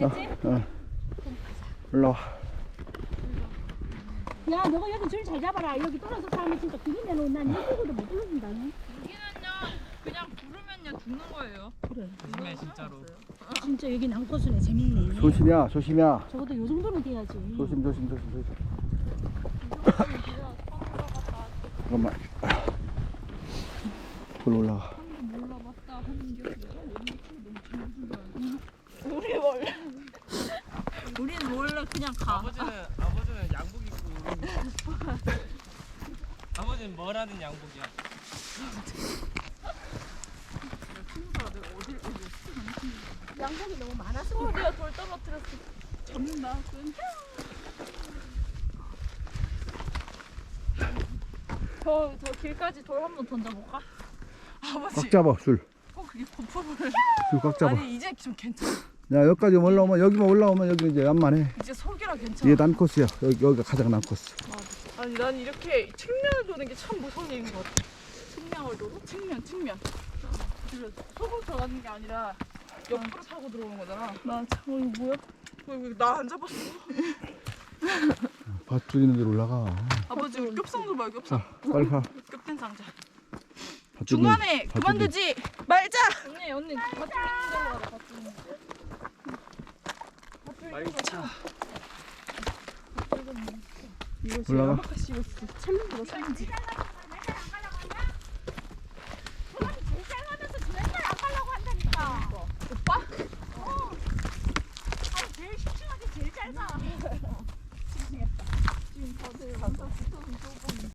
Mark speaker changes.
Speaker 1: 올라와.
Speaker 2: 야, 너가 여기 줄 잘 잡아라. 여기 떨어져 사람이 진짜 기린내는 난 여기도 못 부른다.
Speaker 3: 여기는요 그냥 부르면요 죽는 거예요.
Speaker 2: 그래.
Speaker 4: 조심해 진짜로.
Speaker 2: 진짜 여기 남코스네. 재밌네.
Speaker 1: 조심이야, 조심이야.
Speaker 2: 적어도 요 정도는 돼야지.
Speaker 1: 조심, 조심, 조심, 조심. 잠깐만. 돌 올라가.
Speaker 3: 몰라봤다 하는 게 우리는 원래 그냥 가.
Speaker 4: 아버지는 양복 입고. 아버지는 뭐라는 양복이야?
Speaker 2: 양복이 너무 많아서.
Speaker 3: 내가 돌 떨어뜨렸어. 잡는다. 저 길까지 돌 한 번 던져볼까? 아버지.
Speaker 1: 꽉 잡아, 줄.
Speaker 3: 그게 버퍼를.
Speaker 1: 줄 꽉 잡아.
Speaker 3: 아니 이제 좀 괜찮아.
Speaker 1: 야, 여기까지 올라오면, 여기만 올라오면 여기 이제 완만해.
Speaker 3: 이제 속이라 괜찮아.
Speaker 1: 이게 난코스야. 여기가 가장 난코스.
Speaker 3: 아니 난 이렇게 측면을 도는 게 참 무서운 일인 것 같아. 측면을 도로? 측면. 속으로 들어가는 게 아니라 옆으로 타고 들어오는 거잖아. 맞아. 이거 뭐야? 나 안 잡았어.
Speaker 1: 밧줄 있는 데로 올라가.
Speaker 3: 아버지 우리 겹상 좀 봐요. 겹상.
Speaker 1: 빨리 가.
Speaker 3: 겹된 상자.
Speaker 1: 밧줄
Speaker 3: 중간에
Speaker 1: 밧줄
Speaker 3: 그만두지 말자. 언니 밧줄 있는 데로 와라. 밧줄 있는 데.
Speaker 4: 말차.
Speaker 3: 이거
Speaker 1: 올라가.
Speaker 3: 야마카시 이거 챌린지가 챌린지.